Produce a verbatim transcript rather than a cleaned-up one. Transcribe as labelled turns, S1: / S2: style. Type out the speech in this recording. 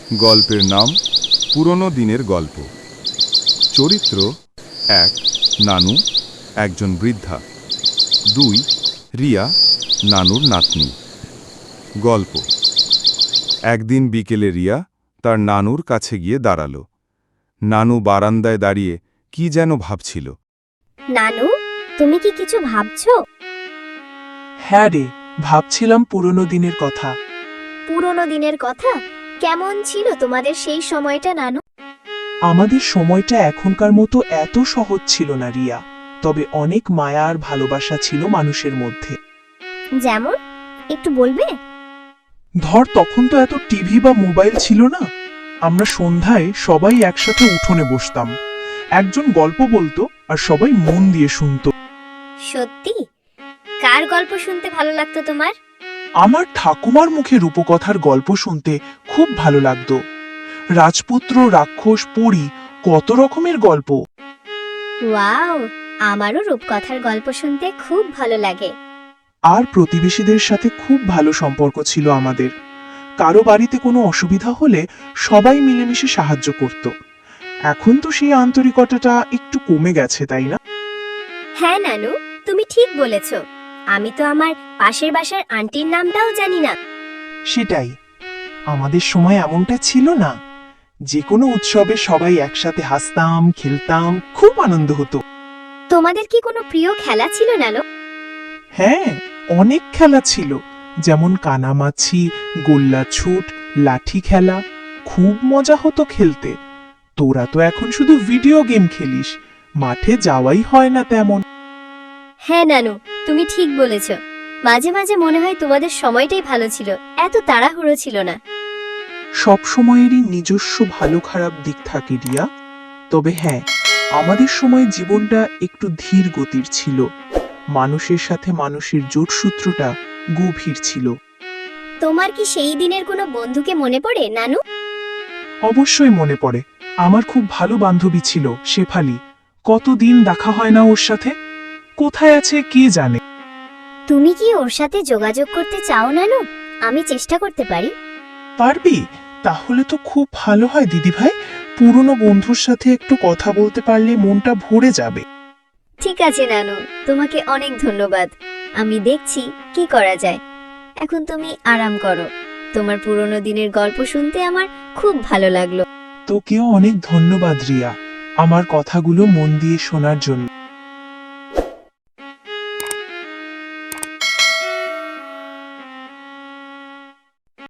S1: গল্পের নাম পুরনো দিনের গল্প। চরিত্র: এক, নানু, একজন বৃদ্ধা। দুই, রিয়া, নানুর নাতনি। গল্প: একদিন বিকেলে রিয়া তার নানুর কাছে গিয়ে দাঁড়ালো। নানু বারান্দায় দাঁড়িয়ে কি যেন ভাবছিল।
S2: নানু, তুমি কি কিছু ভাবছো?
S3: হ্যাঁ রে, ভাবছিলাম পুরনো দিনের কথা।
S2: পুরনো দিনের কথা? কেমন ছিল তোমাদের সেই সময়টা নানু?
S3: আমাদের সময়টা এখনকার মতো এত সহজ ছিল না রিয়া, তবে অনেক মায়া আর ভালোবাসা ছিল মানুষের মধ্যে।
S2: যেমন, একটু বলবে?
S3: ধর, তখন তো এত টিভি বা মোবাইল ছিল না। আমরা সন্ধ্যায় সবাই একসাথে উঠোনে বসতাম, একজন গল্প বলতো আর সবাই মন দিয়ে শুনতো।
S2: সত্যি? কার গল্প শুনতে ভালো লাগতো তোমার?
S3: আমার ঠাকুমার মুখে রূপকথার গল্প শুনতে খুব ভালো লাগতো। রাজপুত্র, রাক্ষস, পরী, কত রকমের গল্প।
S2: ওয়াও, আমারও রূপকথার গল্প শুনতে খুব ভালো লাগে।
S3: আর প্রতিবেশীদের সাথে খুব ভালো সম্পর্ক ছিল আমাদের। কারো বাড়িতে কোনো অসুবিধা হলে সবাই মিলেমিশে সাহায্য করত। এখন তো সেই আন্তরিকতাটা একটু কমে গেছে, তাই না?
S2: হ্যাঁ নানু, তুমি ঠিক বলেছ। আমি তো আমার পাশের বাসার আন্টির নামটাও জানি না।
S3: সেটাই, আমাদের সময় এমনটা ছিল না। যে কোনো উৎসবে সবাই একসাথে হাসতাম, খেলতাম, খুব আনন্দ হতো।
S2: তোমাদের কি কোনো প্রিয় খেলা ছিল নানু?
S3: হ্যাঁ, অনেক খেলা ছিল, যেমন কানামাছি, গোল্লা ছুট, লাঠি খেলা। খুব মজা হতো খেলতে। তোরা তো এখন শুধু ভিডিও গেম খেলিস, মাঠে যাওয়াই হয় না তেমন।
S2: হ্যাঁ নানু, তুমি ঠিক বলেছ। মাঝে মাঝে মনে হয় তোমাদের সময়টাই ভালো ছিল, এত তাড়াহুড়ো ছিল না।
S3: সব সময়েরই নিজস্ব ভালো খারাপ দিক থাকে রিয়া, তবে হ্যাঁ, আমাদের সময় জীবনটা একটু ধীর গতির ছিল। মানুষের সাথে মানুষের জোটসূত্রটা গভীর ছিল।
S2: তোমার কি সেই দিনের কোনো বন্ধুকে মনে পড়ে নানু?
S3: অবশ্যই মনে পড়ে। আমার খুব ভালো বান্ধবী ছিল শেফালি। কতদিন দেখা হয় না ওর সাথে। কোথায় আছে কে জানে।
S2: তুমি কি ওর সাথে যোগাযোগ করতে চাও নানু? আমি চেষ্টা করতে পারি।
S3: পারবি? তাহলে তো খুব ভালো হয় দিদিভাই। পুরনো বন্ধুর সাথে একটু কথা বলতে পারলে মনটা ভরে যাবে।
S2: ঠিক আছে নানু, তোমাকে অনেক ধন্যবাদ। আমি দেখছি কি করা যায়। এখন তুমি আরাম করো। তোমার পুরনো দিনের গল্প শুনতে আমার খুব ভালো লাগলো।
S3: তোকেও অনেক ধন্যবাদ রিয়া, আমার কথাগুলো মন দিয়ে শোনার জন্য।